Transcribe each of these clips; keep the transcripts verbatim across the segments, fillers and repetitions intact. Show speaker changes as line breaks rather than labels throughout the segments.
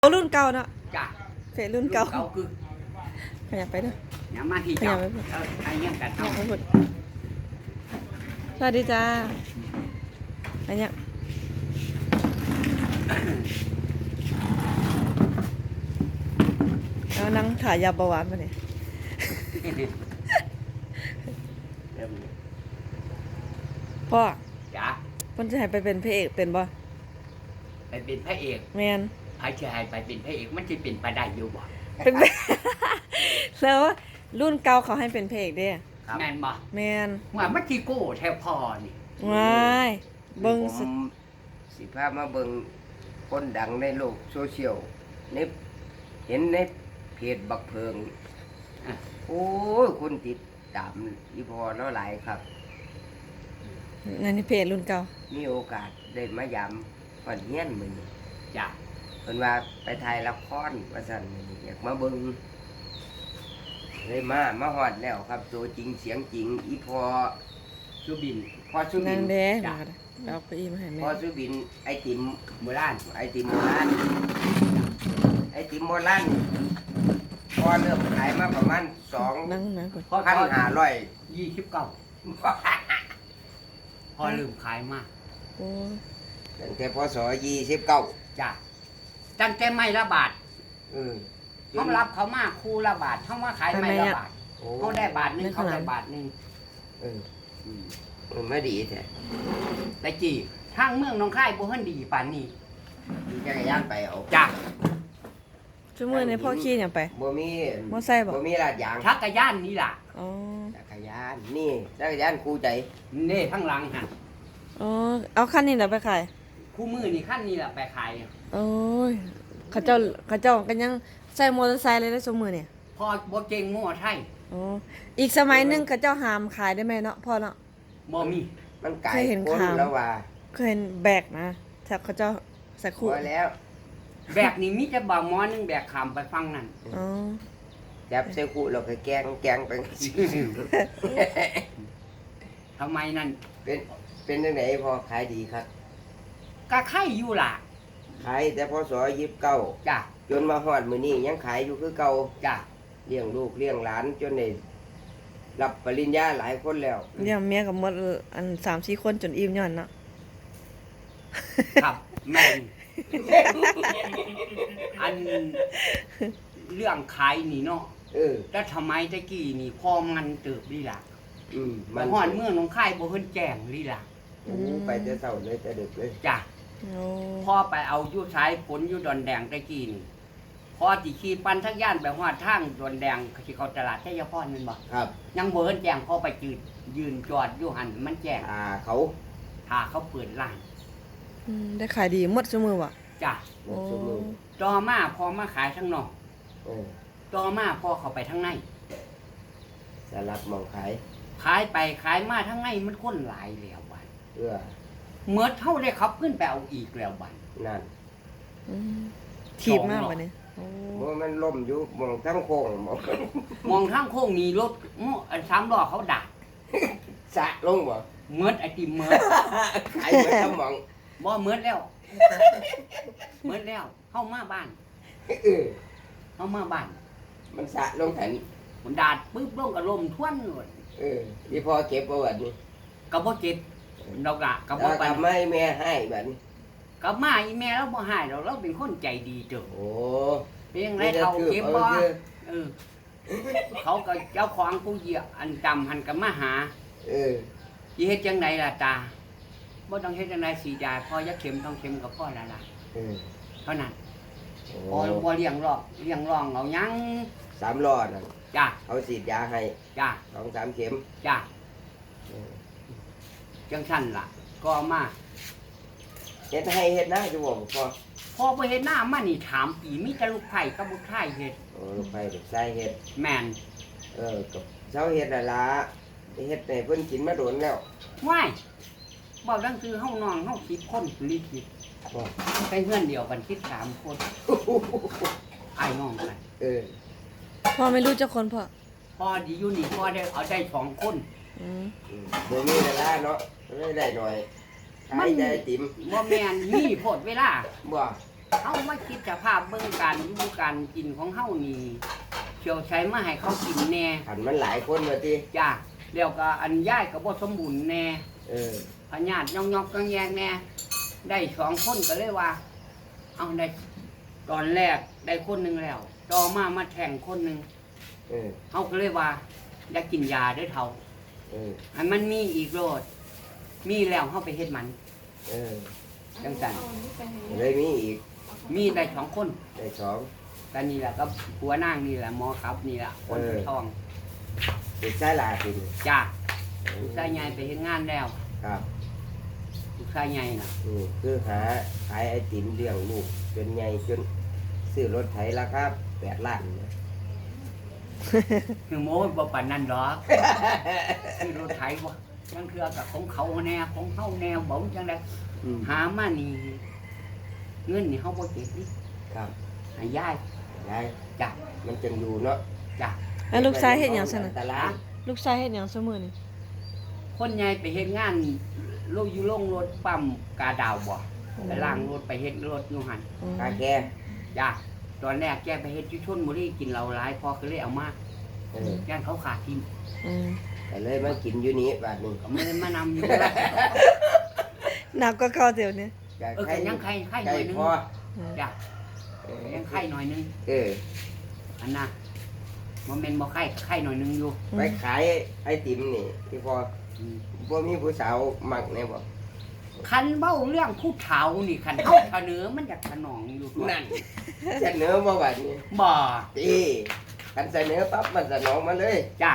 รุ่นเก่าเนาะ
จ้ะ
เฟซรุ่นเก่า
เก่าคือ
ขยับไปเด้อ
อย่ามาที่
ข
เจ้า
ยับไปเด้อ
เออไอ้ยังกัน
ขยั
เอา
บไปพุ่นสวัสดีจ้าอันเนี้ยแล้วนั่งถ่ายยาเบาหวานมาเนี่ย
เริ่ม
พ่อ
จ้ะ
เพิ่นจะให้ไปเป็นพระเอกเป็นบ่
ไปเป็นพระเอก
แม่น
ไอ้ชายไปเป็นพระเอกมันจะเป็นไปได้อยู่บ่
เป็น แล้วรุ่นเก่าเขาให้เป็นพระเอกเด้
แม่นบ่
แม่น
ว่ามันที่โก้แทบพอนี่
ว้ายเบิ่ง
ผ
สุด
มสิพามาเบิ่งคนดังในโลกโซเชียลในเห็นในเพจบักเพิง
อ่ะ
โอ้ยคนติดตามอีพอเนาะหลายครับ
นั่นนี่เพจรุ่นเก่า
มีโอกาสได้มายามฝันเฮียนมื้อนี้
จ้ะ
เพิ่นว่าไปถ่ายละครว่าซั่นมื้อนี้อยากมาเบิ่งเลยมามาฮอดแล้วครับตัวจริงเสียงจริง อีพอ
สุบิน
พอสุบิ
นั่
น
งเด้
จ้ะ
มาก็ได้เอาไปอีมาให้แม่
พอสุบินไอติม
โบราณ
ไอติมโบราณไอติมโบราณพอเริ่มขายมาประมาณสอง
นั่งนะก่อน
พอ
พันห้าร้อย
ยี่สิบเก้าพอลืมขายมาก
โอ้ย
ตั้งแต่พศยี่สิบเก้า
จ้ะตั้งแต่ไม่ละบาท
เออ
เขารับเขามาคู่ละบาทเขามาขายไม่ละบาท
โอ้
เขาได้บาทหนึงเขาได้บาทหนึง
เออเออไม่ดีแท้
แต่จีทางเมืองหนองคายบ่เฮิ่นดีปานนี้
มีจักรยานไปเอา
จ้ะ
ชั่วโมงนี้พ่อขี่หยังไป
บ่มี
มอไซค์บ่
บ่มีลาดยาง
ชักกระยานนี่ล่ะ
อ๋อ
จักรยานนี่จักรยานคู่ใจ
เน่ข้างหลังหั่น
อ๋อเอาคันนี้แหละไปขาย
คู่มือนี่ขั้นนี้ล่ะไปขาย
โอ้ยเขาเจ้าเขาเจ้าก็ยังใส่มอเตอร์ไซค์เลยนะชั่วโมงนี่
พอบ่เก่งมั่วไทย
อ๋ออีกสมัยหนึงเขาเจ้าหามขายได้ไหมเนาะพ่อเนาะ
บ่มี
มันไก่
เคยเห็น
คน
ข่าว
แล้วว่า
เคยเห็นแบกนะถ้าเขาเจ้าใส่
พ
คู่
อแล้ว
แบกนี่มีแต่บ่าวหมอหนึงแบกขามไปฟังนั่น
อ๋อ
จับใส่คู่แล้วก็แกงแกงไป
ทำไมนั่น
เป็นเป็นจังไดพอขายดีครับ
ก็ไข่อยู่ล่ะ
ขายแต่พศยี่สิบเก้า
จ้ะ
จนมาฮอดมื้อนี้ยังขายอยู่คือเก่า
จ้ะ
เลี้ยงลูกเลี้ยงหลานจนได้รับปริญญาหลายคนแล้ว
เลี้ยงเมียกับหมดอันสามสี่คนจนอิ่มย้อนเนาะ
ครับแม่นอันเรื่องขายนี่เนาะ
เออ
แต่ทำไมตะกี้นี่พอมันเติบลีล่ะ
อืม
ไปฮอดเมืองหนองคายบ่เฮิ่นแจ้งลีล่ะ
โอ้ไปแต่เช้าเลยแต่ดึกเลย
จ้ะ
โอ้
พ่อไปเอาอยู่ชายผลอยู่ดอนแดงตะกี้นี่พอสิขี่ปั่นทักย่านไปฮอดทางดอนแดงสิเข้าตลาดชัยพรแม่นบ่
ครับ
ยังบ่เฮิ่นแจ้งพอไปจืดยืนจอดอยู่หันมันแจ้ง
อ่าเขา
ถ้าเขาเปิดร้าน
อืมได้ขายดีหมดชั่วโมงว่ะ
จ้ะ
หมดชั่วโมง
ต่อมาพอมาขายข้างนอก
เออ
ต่อมาพอเข้าไปทางใน
สลับหมองขาย
ขายไปขายมาทางในมันคนหลายแล้วบัด
เอื้อ
เมื่อเท่าได้ขับขึ้นไปเอาอีกแล้วบัด
นั่น
อืมถีบมากบัดนี้โอ้
บ่มันล่มอยู่หมองทั้งโค้งหมอง
มองทางโค้งมีรถม้ออันสามล้อเขาดัก
สะลงบ่
เมื่อไอติมเมื่อ
ขายเหมือนทั้งหมอง
บ่เมื่อแล้วเมื่อแล้วเข้ามาบ้าน
เออ
เข้ามาบ้าน
มันสะลงแผ่น
มันดาดปึ๊บลงกับลมทวนเลย
เออที่พอเก็บประวัตินี่
กระบ่เจ็บดอกละกระบ่
แล้ว
ปั
ก็
น
ไม่แม่ให้แบบนี้
กระมาอีแม่เราบ่หายเราเราเป็นคนใจดีเจ้า
โอ้
เพียงไรเขาเก็บบ่
ออ
เออเขาก็เจ้าของผู้เหยียบอันจำหันกับมาหา
เออ
สิเฮ็ดจังไดล่ะตาบ่ต้องเฮ็ดจังไดสีดาพอยักเข็มต้องเข็มกับพ่อแล้วล่ะ
เออ
เท่านั้น
โอ้
พอบ่เลี้ยงรอกเลี้ยงรองเอาหยัง
สามล้อน่ะ
จ้า
เขาฉีดยาให้
จ้า
สองสามเข็ม
จ้า
เออ
จังซั่นล่ะ ก็มา
เฮ็ดให้เฮ็ดหน้าอยู่บ่พอ
พอบ่เฮ็ดหน้ามานี่ถามปีมีแต่ลูกไผ่กับลูกไผ่เฮ็ด
โอ้ลูกไปลูกชายเฮ็ด
แม่น
เออกับเช้าเฮ็ดน่ะล่ะเฮ็ดให้เพิ่นกินมาโดนแล้ว
ว้ายบ่ดังคือเฮาน้องเฮาสิบคนลีคิด
บ่
ไปเฮือนเดียวกันคิดสามคนอ้ายน้องกัน
เออ
พ่อไม่รู้จักคนพ่อ
พอดีอยู่นี่พอได้เอาได้สองคน
อืม
อืมบ่มีเวลาเนาะไม่ได้หน่อยขายได้ติ๋ม
บ่แม่นมีโพดเวลา
บ่
เฮามาคิดสภาพเบิ่งการอยู่การกินของเฮานี่เชียวใช้มาให้เขากินแน่
ขันมันหลายคนว่าติ
จ้าแล้วก็อันย้ายก็บ่สมบูรณ์แน่
เออ
พญาติย่องๆกังแยงแน่ได้สองคนก็เลยว่าเอาได้ตอนแรกได้คนหนึงแล้วต่อมามาแข่งคนหนึง
เออ
เฮาก็เลยว่าอยากกินยาเด้อเฒ่า
เออ
ให้มันมีอีกโลดมีแล้วเฮาไปเฮ็ดมัน
เออ
จังซั่น
เลยมีอีก
มีได้สองคน
ได้สอง
ก็นี่แหละก็หัวนางนี่แหละหมอครับนี่แหละคน
เออ
ทอง
ติดสายลาติด
จ้าลูกชายใหญ่ไปเฮ็ดงานแล้ว
ครับ
ลูกชายใหญ่น่ะ
อืมคือหาขายไอติมเลี้ยงลูกจนใหญ่จนซื้อรถไถราคาแปดล้านเนี่ย
คือโม้บ่ปานนั้นดอกคือรถไถบ่ยังเทื่อกับของเขาแน่ของเฮาแนวบ่จังได๋
อืม
หามานี่เงินนี่เฮาบ่เก็บนี่
ครับ
ให้ยาย
ยาย
จ้ะ
มันจังอยู่เนาะ
จ้ะ
แล้วลูกชายเฮ็ดหยังซั่น
อั
น่ะ
ตราย
ลูกชายเฮ็ดหยังซุมื้อนี่
คนใหญ่ไปเฮ็ดงานโลกอยู่โรงรถปั๊มกาดาวบ่ไปล้างรถไปเฮ็ดรถอยู่หั่น
อืม
กาแก
จ้ะตอนแรกแกไปเฮ็ดอยู่ชลบุรีกินเหล้าหลายพอก็เลยเอามา
เออย่
านเขาขาดทิม
อืม
แต่เลยมากินอยู่นี้บาดนี้
ก็ไม่ได้มานำอยู่ละ
หนักกว่าเก่าเดี๋ยวนี้
ก็
เออก็ยังไข่ไข่ห
ไก่
น่อยนึง
พอ
อืม
จ้ะ
เออ
ยังไข่หน่อยนึง
เออ
อันน่ะมันเป็นบ่ไข่ไข่หน่อยนึงอยู่
ไปขายไอติมนี่ที่พอ
อืม
บ่มีผู้สาวมักแน่บ่
คันเบ้าเรื่องผู้เฒ่านี่คันเฮาเสนอมันอยากสนองอยู่ตัว
นั่นเสนอบ่บาดนี้
บ่
ตีกันเสนอปั๊บมันสนองมาเลย
จ้ะ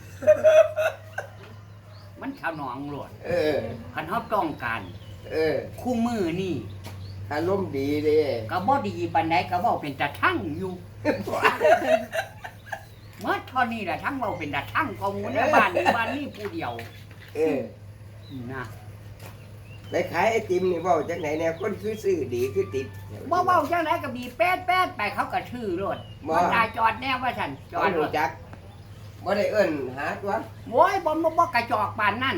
มันสนองโลด
เออ
คันเฮาต้องการ
เออ
คู่มือนี่
อารมณ์ดีเด้
ก็บ่ดีปานใดก็เว้าเป็นตาทั่งอยู่เมื่อเท่านี้แหละทั้งเว้าเป็นตาทั่งของหมู่ในบ้านนี้บ้านนี้ผู้เดียว
เออ
นะ
ไปขายไอติมนี่เว้าจังไหนแน่คนคือซื้อดีคือติด
บ่เว้าจังไดก็บีแป๊ดแป๊ดไปเขาก็ชื่อรถ
บ่
มันได้จอดแน่ว่าฉันจ
จ
อ
อ
ด
ด
ร
รู้
ถ
จักบ่ได้เอิ้นหาตัว
โว้ยบ่บ่บ่กระจอกปานนั่น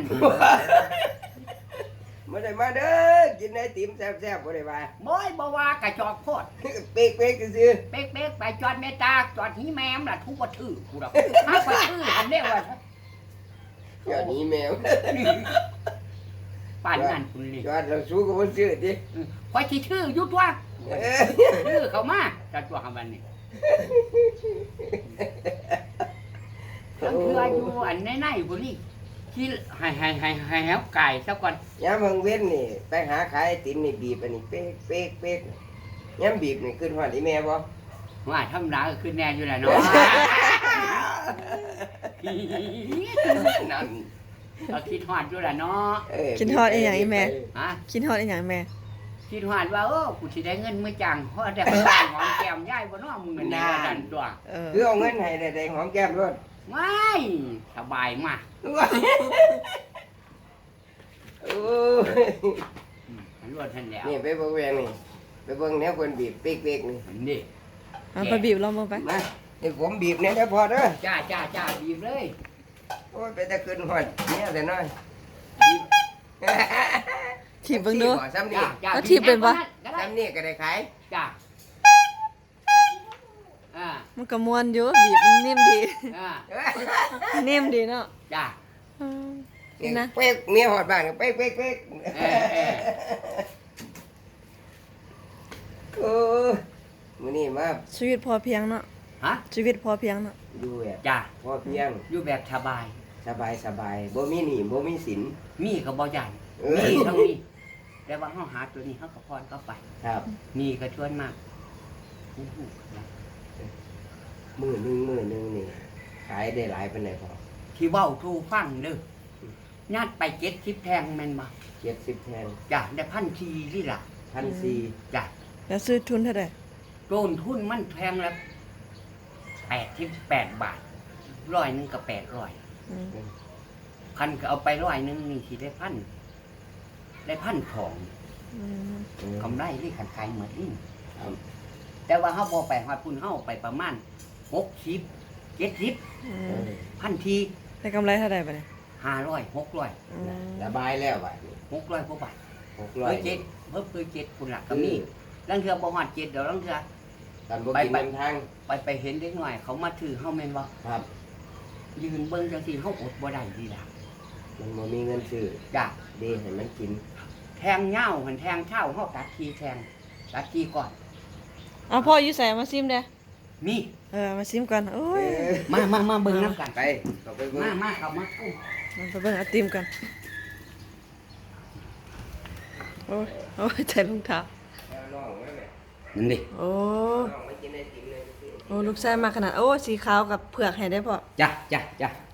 บ่ได้มาเด้อกินไอติมแซ่บๆบ่ได้ว่า
โว้ยบ่ว่ากระจอกโพด
เป๊กๆซื่อ
เป๊กๆไปจอดแม่ตาจอดหีแม่มล่ะทุกบ่ถือกูดอกหาบ่ถืออันเด้ว่า
ๆจอดนี้แมว
ปานนั่นคุณนี่
จอดเราสู้กับบ่ซื้อติ
ข่อยสิถืออยู่ตัว
เออ
ถือเข้ามาจัดตัวหาบันนี่ทั้งเทื่ออยู่อันในๆพุ่นนี่ที่ให้ให้ให้ให้แฮวไก่ซะก่อน
ยามเพิ่งเว้นนี่ไปหาขายไอติมนี่บีบอันนี้เป๊กเป๊กเป๊กยามบีบนี่ขึ้นฮอดอีแม่บ่
ว่าธรรมดาก็คือแน่อยู่แหละเนาะ
นั่น
ก็คิดฮอดอยู่แหละเนาะ
เออ
กินฮอดอีหยังอีแม่
ฮะ
กินฮอดอีหยังแม่
คิดฮอดว่าเออกูสิได้เงินมื้อจังเพราะแต่ไปบ้านหอมแก้มยายบ่เนาะมึงนี่ว่าดันตัว
เออ
คือเอาเงินให้ได้ได้หอมแก้มรถ
ว้ายสบายมาก
โอ้ย
อืมรวดทันแล้ว
นี่ไปเบิ่งแวงนี่ไปเบิ่งแนวคนบีบเป๊กเป๊กนี่
อันนี้
เอาไปบีบลองมาไป
มาเดี๋ยวผมบีบเนี่ยเด้อพอเด้อ
จ้าจ้าจ้าบีบเลย
โอ้ยไปแต่ขึ้นฮอดเนี่ยแต่น้อย
บีบ
ถีบเบิ่งดู
ซ้ำ
จ้า
นี่
จ้า
เอาถีบเป็นปะ
ก็ได้
ซ้ำนี่ก็ได้ขาย
จ้าอ่า
มันก็ม่วนอยู่บีบมันนิ่มดี
อ่า
นิ่มดีเนาะ
จ้า
อืมนี่นะ
เป๊กเมียหอดบ้านก็เป๊กเป๊กเป๊ก
เออเออ
โอ้ยมื้อนี้มา
ชีวิตพอเพียงเนาะ
ฮะ
ชีวิตพอเพียงเนาะ
อยู่แบบ
จ้า
พอเพียง
อยู่แบบสบาย
สบายสบายบ่มีหนี้บ่มีสิน
มีก็บ่ใหญ่
เออ
มีเท่านี้แต่ว่าเฮาหาตัวนี้เฮาก็พรเข้าไป
ครับ
มีก็ชวนมากอู้หูนะ
มือหนึงมือหนึงนี่ขายได้หลายปานใดพอ
ที่เว้าทูฟังเด้อญาติไปเจ็ดสิบแทงแม่นบ่
เจ็ดสิบแทน
จ้ะได้พันทีที่ล่ะ
พันสี่
จ้ะ
แล้วซื้อทุนเท่าใด
ต้นทุนมันแพงละแปดสิบแปดบาทร้อยหนึงก็แปดร้อย
อืม
พันก็เอาไปร้อยหนึงนี่สิได้พันได้พันทอง
อืม
กำไรที่ขันขายเหมือนนี่
ครับ
แต่ว่าเฮาบ่ไปฮอดพุ่นเฮาไปประมาณหกสิบเจ็ดสิบ
อื
เอ
ม
อ
พันที
ได้กำไรเท่าใดบัดนี้
ห้าร้อยหกร้อย
อืม
ระบายแล้วบัดนี้
หกร้อยกว่าบาท
หกร้อ
เพิ่
ย
เจ็ดเพิ่มเพิ่เจ็ดคุณหลักก็มี
อืม
ลังเทือบ่ฮอดเจ็ดเดี๋ยวลังเทือ
กันบ่
ไป
กิน
ไป
นำทาง
ไปไปเห็นเด็กหน่อย เขามาถือเฮาแม่นบ่
ครับ
ยืนเบิ่งจังซี่เฮาอดบ่ได้ดีล่ะ
มันบ่มีเงินซื้อ
จ้ะ
เดให้มันกิน
แทงเหย้าหันแทงเช่าเฮาตัดทีแทงตัดทีก่อน
เอาพ่ออยู่ใส่มาซิมเด้อ
นี่
เออมาซิมกันโอ้ย
มามามาเบิ่งนํกัน
ไปเอาไปเบิ่ง
มามาเข้ามาอุ้ม
มันไปเบิ่งไอติมกันโอ้ยโอ้ยใจรองเท้า
แล้วน้องไว้แม่
นั่นดิ
โอ้
น้องไม่กินไอติมเลย
โอ้ลูกชายมาขนาดโอ้สีขาวกับเผือกให้ได้พ่อ
จ้ะจ้ะจ้ะ